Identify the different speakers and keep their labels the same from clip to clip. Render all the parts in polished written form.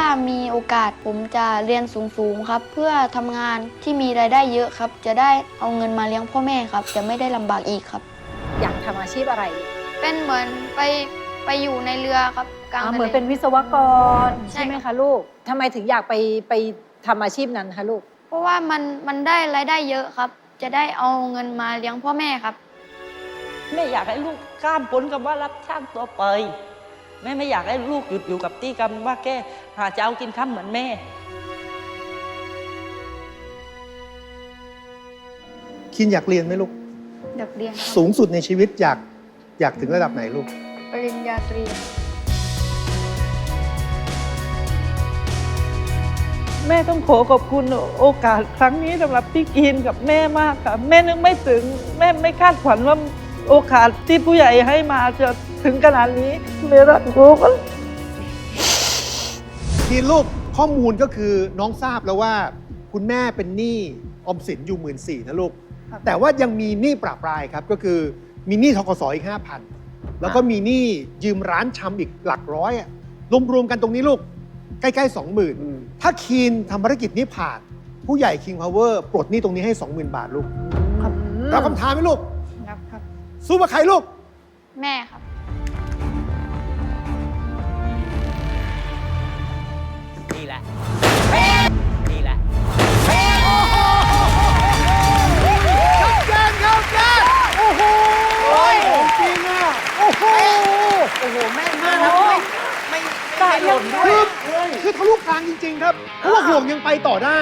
Speaker 1: มีโอกาสผมจะเรียนสูงๆครับเพื่อทำงานที่มีรายได้เยอะครับจะได้เอาเงินมาเลี้ยงพ่อแม่ครับจะไม่ได้ลำบากอีกครับ
Speaker 2: อยากทำอาชีพอะไร
Speaker 1: เป็นเหมือนไปอยู่ในเรือครับกลางทะเล
Speaker 2: เหมือนเป็นวิศวกร
Speaker 1: ใช่
Speaker 2: ใช่ไหมคะลูกทำไมถึงอยากไปทำอาชีพนั้นคะลูก
Speaker 1: เพราะว่ามันได้รายได้เยอะครับจะได้เอาเงินมาเลี้ยงพ่อแม่ครับ
Speaker 3: แม่อยากให้ลูกข้ามพ้นคำว่ารับช่างตัวไปแม่ไม่อยากให้ลูกหยุดอยู่กับที่คำว่าแค่หาเช้ากินค่ำเหมือนแม่
Speaker 4: คินอยากเรียนไหมลูก
Speaker 1: อยากเรียนครับ
Speaker 4: สูงสุดในชีวิตอยากถึงระดับไหนลูก
Speaker 1: ปริญญาตรี
Speaker 3: แม่ต้องขอบคุณโอกาสครั้งนี้สำหรับพี่กินกับแม่มากค่ะแม่นึกไม่ถึงแม่ไม่คาดฝันว่าโอกาสที่ผู้ใหญ่ให้มาจะถึงขนาดนี้แม่รักลูก
Speaker 4: ทีลูกข้อมูลก็คือน้องทราบแล้วว่าคุณแม่เป็นหนี้ออมสินอยู่14,000นะลูก แต่ว่ายังมีหนี้ปราบปรายครับก็คือมีหนี้ธกสอีก 5,000 แล้วก็มีหนี้ยืมร้านชำอีกหลักร้อยอะรวมๆกันตรงนี้ลูกใกล้ๆ 20,000 ถ้าคีนทำภารกิจนี้ผ่านผู้ใหญ่ King Power ปลดหนี้ตรงนี้ให้ 20,000 บาทลูกรับคำถามไหมลูก
Speaker 1: ครับ
Speaker 4: สู้กับใครลูก
Speaker 1: แม่ครับ
Speaker 5: นี่แหละ นี่แหละ
Speaker 4: ชัดเจนครับแม่โอ้โหจริงอ่ะโอ้โห
Speaker 5: โอ้โห แม่นมากนะไม่หล่นด้วย
Speaker 4: คือทะลุกลางจริง ๆ ครับ เพราะว่าห่วงยังไปต่อได้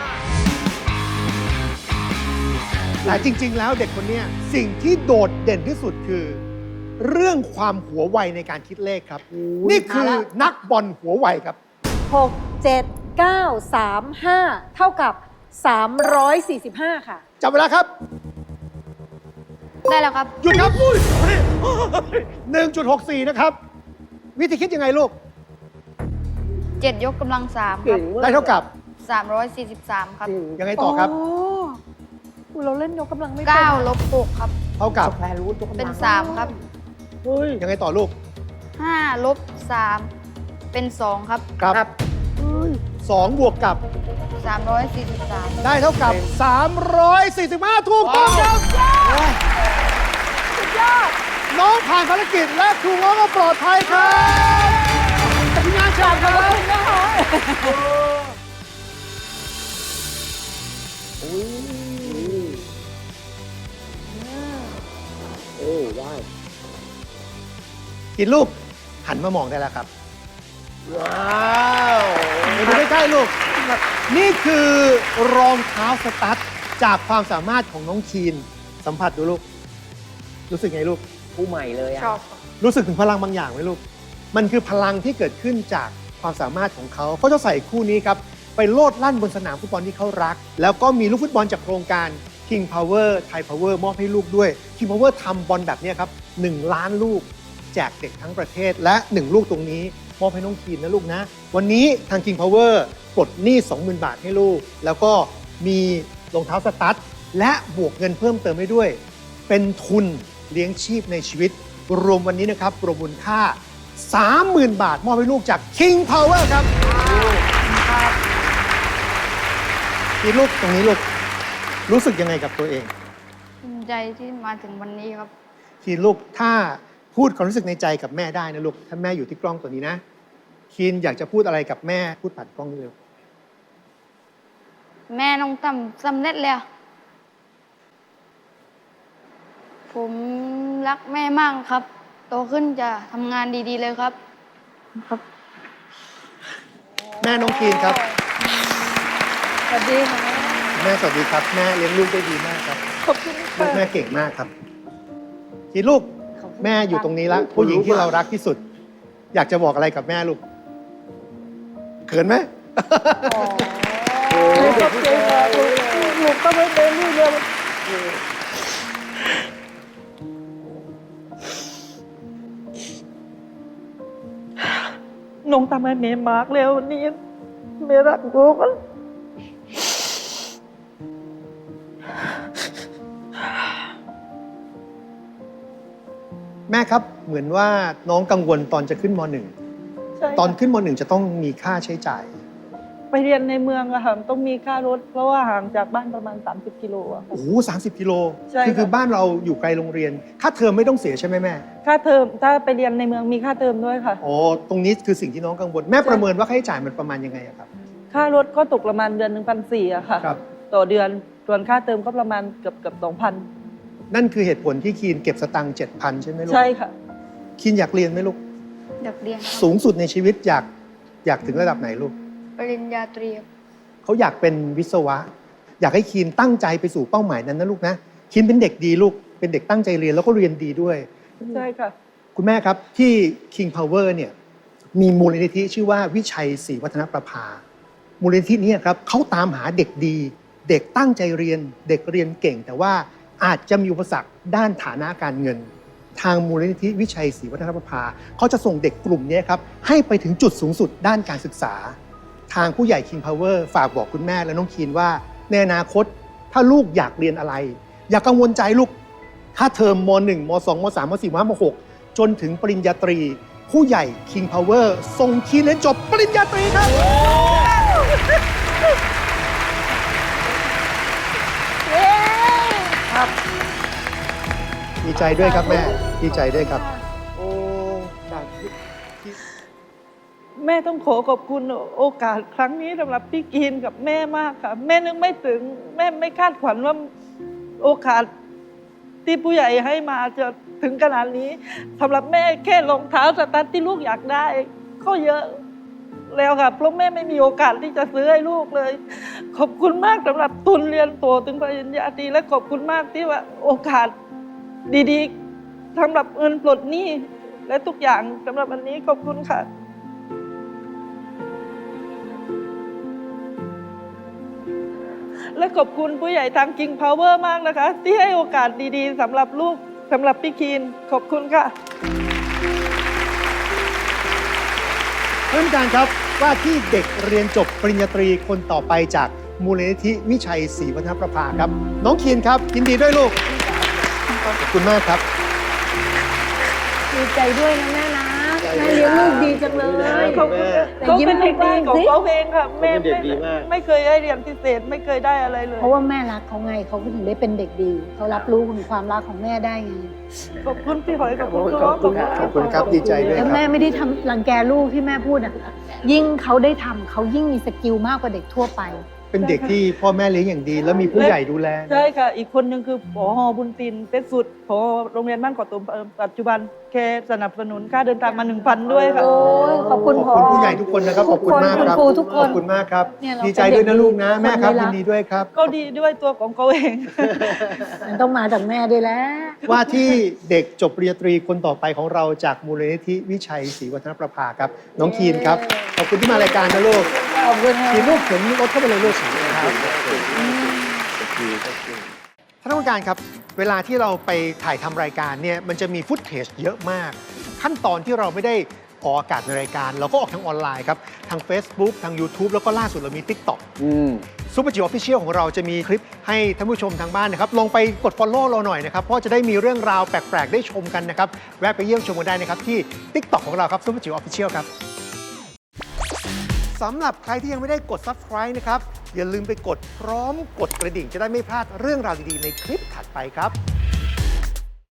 Speaker 4: แต่จริง ๆ แล้วเด็กคนเนี้ยสิ่งที่โดดเด่นที่สุดคือ เรื่องความหัวไวในการคิดเลขครับ นี่คือนักบอลหัวไวครับ
Speaker 2: 6 7 9 3 5 เท่ากับ 345 ค่ะ
Speaker 4: จับเวลาครับ
Speaker 1: ได้แล้วครับ
Speaker 4: หยุดครับ 1.64 นะครับ วิธีคิดยังไงลูก
Speaker 1: 7 ยกกำลัง3ครับ
Speaker 4: ได้เท่ากับ
Speaker 1: 343 ครับ
Speaker 4: ยังไงต่อครับ
Speaker 2: เราเล่นยกกำลังไม่เป็น
Speaker 1: 9 ลบ 6 ครับ
Speaker 4: เท่ากับ
Speaker 1: เป็น 3 ครับ
Speaker 4: ยังไงต่อลูก
Speaker 1: 5 ลบ 3 เป็น 2 ครับ
Speaker 4: ครับ2 บวกกับ
Speaker 1: 343
Speaker 4: ได้เท่ากับ 345 ถูกต้องครับสุดยอดน้องผ่านภารกิจและครูง้อก็ปลอดภัยครับทีมงานฉากครับกินลูก หันมามองได้แล้วครับ ว้าวมาดูใกล้ๆลูก นี่คือรองเท้าสตั๊ดจากความสามารถของน้องคีน สัมผัสดูลูก รู้สึกไงลูก
Speaker 5: ผู้ใหม่เลยอะ
Speaker 1: ชอบ
Speaker 4: รู้สึกถึงพลังบางอย่างไหมลูก มันคือพลังที่เกิดขึ้นจากความสามารถของเขาเขาจะใส่คู่นี้ครับ ไปโลดลั่นบนสนามฟุตบอลที่เขารัก แล้วก็มีลูกฟุตบอลจากโครงการ King Power Thai Power มอบให้ลูกด้วย King Power ทำบอลแบบนี้ครับ 1 ล้านลูก แจกเด็กทั้งประเทศ และ 1 ลูกตรงนี้มอบให้น้องคีนนะลูกนะ วันนี้ทาง King Power ปลดหนี้ 20,000 บาทให้ลูก แล้วก็มีรองเท้าสตั๊ดและบวกเงินเพิ่มเติมให้ด้วย เป็นทุนเลี้ยงชีพในชีวิต รวมวันนี้นะครับรวมมูลค่า 30,000 บาท มอบให้ลูกจาก King Power ครับทีลูกตรงนี้ลูก รู้สึกยังไงกับตัวเอง
Speaker 1: ภูมิใจที่มาถึงวันนี้ครับ
Speaker 4: ทีลูกถ้าพูดความรู้สึกในใจกับแม่ได้นะลูก ถ้าแม่อยู่ที่กล้องตัวนี้นะ คีนอยากจะพูดอะไรกับแม่พูดผ่านกล้องนี้เลย
Speaker 1: แม่น้องตั้มสำเร็จแล้ว ผมรักแม่มากครับ โตขึ้นจะทำงานดีๆเลยครับ
Speaker 4: แม่น้องคีนครับ
Speaker 2: สวัสดีค่ะ
Speaker 4: แม่สวัสดีครับ แม่เลี้ยงลูกได้ดีมากครับ
Speaker 2: ขอบคุณ
Speaker 4: ลู
Speaker 2: ค่ะ
Speaker 4: กแม่เก่งมากครับทีลูกแม่อยู่ตรงนี้แล้วผู้หญิงที่เรารักที่สุด อยากจะบอกอะไรกับแม่ลูกเขินไหม
Speaker 3: ขอบใจมากลูกต้องไม่เป็นลูกเดียว น้องทำให้เมย์มากแล้ววันนี้เมย์รักลูก
Speaker 4: แม่ครับเหมือนว่าน้องกังวลตอนจะขึ้นม.1
Speaker 3: ใช่ค่ะ
Speaker 4: ตอนขึ้นม .1 จะต้องมีค่าใช้จ่าย
Speaker 3: ไปเรียนในเมืองอะค่ะต้องมีค่ารถ เพราะว่าห่างจากบ้านประมาณ30 กิโลอะค่ะ
Speaker 4: โอ้โห30 กิโล
Speaker 3: ใช่ค่ะ
Speaker 4: คือบ้านเราอยู่ไกลโรงเรียน ค่าเทอมไม่ต้องเสียใช่ไหมแม่
Speaker 3: ค่าเทอมถ้าไปเรียนในเมืองมีค่าเทอมด้วยค่ะ
Speaker 4: อ๋อ ตรงนี้คือสิ่งที่น้องกังวล แม่ประเมินว่าค่าใช้จ่ายมันประมาณยังไงอะครับ
Speaker 3: ค่ารถก็ตกประมาณเดือน1,400อะค่ะ
Speaker 4: ครับ
Speaker 3: ต่อเดือนส่วนค่าเทอมก็ประมาณเกือบ2,000
Speaker 4: นั่นคือเหตุผลที่คีนเก็บสตังค์ 7,000 ใช่ไหมลูก
Speaker 3: ใช่ค่ะ
Speaker 4: คีนอยากเรียนไหมลูก
Speaker 1: อยากเรียนครับ
Speaker 4: สูงสุดในชีวิตอยากถึงระดับไหนลูก
Speaker 1: ปริญญาตรีครับ
Speaker 4: เขาอยากเป็นวิศวะ อยากให้คีนตั้งใจไปสู่เป้าหมายนั้นนะลูกนะ คีนเป็นเด็กดีลูก เป็นเด็กตั้งใจเรียนแล้วก็เรียนดีด้วย
Speaker 3: ใช่ค่ะ
Speaker 4: คุณแม่ครับที่ King Power เนี่ยมีมูลนิธิชื่อว่าวิชัยศรีวัฒนประภา มูลนิธินี้ครับเขาตามหาเด็กดี เด็กตั้งใจเรียน เด็กเรียนเก่ง แต่ว่าอาจจะมีอุปสรรคด้านฐานะการเงิน ทางมูลนิธิวิชัยศรีวัฒนประภาเขาจะส่งเด็กกลุ่มนี้ครับให้ไปถึงจุดสูงสุดด้านการศึกษา ทางผู้ใหญ่ King Power ฝากบอกคุณแม่และน้องคีนว่าในอนาคตถ้าลูกอยากเรียนอะไร อย่ากังวลใจลูก ถ้าเทอมม .1 ม .2 ม .3 ม .4 ม .5 ม .6 จนถึงปริญญาตรี ผู้ใหญ่ King Power ส่งคีนเรียนจบปริญญาตรีครับ ครับ ดีใจด้วยครับแม่ ดีใจด้วยครับ โอ้จากที่
Speaker 3: แม่ต้องขอขอบคุณโอกาสครั้งนี้สำหรับพี่กีนกับแม่มากค่ะ แม่นึกไม่ถึง แม่ไม่คาดฝันว่าโอกาสที่ผู้ใหญ่ให้มาจะถึงขนาดนี้สำหรับแม่แค่รองเท้าสตั๊ดที่ลูกอยากได้ก็เยอะแล้วค่ะเพราะแม่ไม่มีโอกาสที่จะซื้อให้ลูกเลย ขอบคุณมากสำหรับทุนเรียนโตถึงปริญญาตรีและขอบคุณมากที่ว่าโอกาสดีๆสำหรับเงินปลดหนี้และทุกอย่างสำหรับวันนี้ขอบคุณค่ะ และขอบคุณผู้ใหญ่ทาง King Power มากนะคะ ที่ให้โอกาสดีๆสำหรับลูกสำหรับพี่คีนขอบคุณค่ะ
Speaker 4: ท่านผู้การครับว่าที่เด็กเรียนจบปริญญาตรีคนต่อไปจากมูลนิธิวิชัยศรีวัฒนประภาครับ น้องคีนครับยินดีด้วยลูก ขอบคุณมากครับ
Speaker 2: ดีใจด้วยนะแม่นะ แม่เลี้ยงลูกดีจังเลย
Speaker 3: ขอบคุณค่ะ
Speaker 2: แต่
Speaker 3: เขา
Speaker 2: ยิ้ม
Speaker 3: เป็นเด็กดีของ
Speaker 2: สิ
Speaker 3: เขาเองค่ะแม่
Speaker 5: เขาเป็นเด็กดีมาก
Speaker 3: ไม่เคยได้เรียนพิเศษไม่เคยได้อะไรเลย
Speaker 2: เพราะว่าแม่รักเขาไงเขาก็ถึงได้เป็นเด็กดี เขารับรู้ถึงความรักของแม่ได้ไง
Speaker 3: ขอบคุณพี่หอยขอบคุณพี่
Speaker 5: ขอบคุณ
Speaker 4: ขอบคุณครับดีใจด้วย
Speaker 2: แล้ว
Speaker 4: ครับ
Speaker 2: แม่ไม่ได้ทำรังแกลูกที่แม่พูดอ่ะ ยิ่งเขาได้ทำเขายิ่งมีสกิลมากกว่าเด็กทั่วไป
Speaker 4: เป็นเด็กที่พ่อแม่เลี้ยงอย่างดี แล้วมีผู้ใหญ่ดูแล
Speaker 3: ใช่ค่ะ อีกคนหนึ่งคือผอบุญตินเป็นสุดผอโรงเรียนบ้านเกาะตุมปัจจุบันแค่สนับสนุนค่าเดินทางมา 1,000 ด้วยค่ะ
Speaker 2: โอ้ยขอบคุณ
Speaker 4: ขอบคุณผู้ใหญ่ทุกคนนะครับ ขอบคุณมากครับ
Speaker 2: ณครูทุกค
Speaker 4: ขอน บคุณมากครับ
Speaker 2: เนี่ยเรา
Speaker 4: ดีใจด้วยนะลูกนะ
Speaker 2: เป็นเด็กดี
Speaker 4: แม่ครับ
Speaker 2: คนไม่รั
Speaker 4: ยิ
Speaker 2: ก
Speaker 4: นดีด้วยครับ
Speaker 3: ก็ดีด้วยตัวของเขาเอง
Speaker 2: มันต้องมาจากแม่ด้วยแหล้ว
Speaker 4: ว่าที่เด็กจบปริญญาตรีคนต่อไปของเราจากมูลนิธิวิชัยศรีวัฒนประภาครับ น้องคีนครับ ขอบคุณที่มารายการนะลูก
Speaker 2: ขอบคุณค่ะ
Speaker 4: คีนลูกเข็นรถเข้าไปเลยลูกครับท่านผู้การครับ เวลาที่เราไปถ่ายทำรายการเนี่ยมันจะมีฟุตเทจเยอะมาก ขั้นตอนที่เราไม่ได้ออกอากาศในรายการ เราก็ออกทางออนไลน์ครับ ทาง Facebook ทาง YouTube แล้วก็ล่าสุดเรามี TikTok ซูเปอร์จิ๋วออฟฟิเชียลของเราจะมีคลิปให้ท่านผู้ชมทางบ้านนะครับลองไปกด Follow เราหน่อยนะครับ เพราะจะได้มีเรื่องราวแปลก ๆ ได้ชมกันนะครับ แวะไปเยี่ยมชมกันได้นะครับ ที่ TikTok ของเราครับซูเปอร์จิ๋วออฟฟิเชียลครับสำหรับใครที่ยังไม่ได้กด Subscribe นะครับ อย่าลืมไปกดพร้อมกดกระดิ่งจะได้ไม่พลาดเรื่องราวดี ๆ ในคลิปถัดไปครับ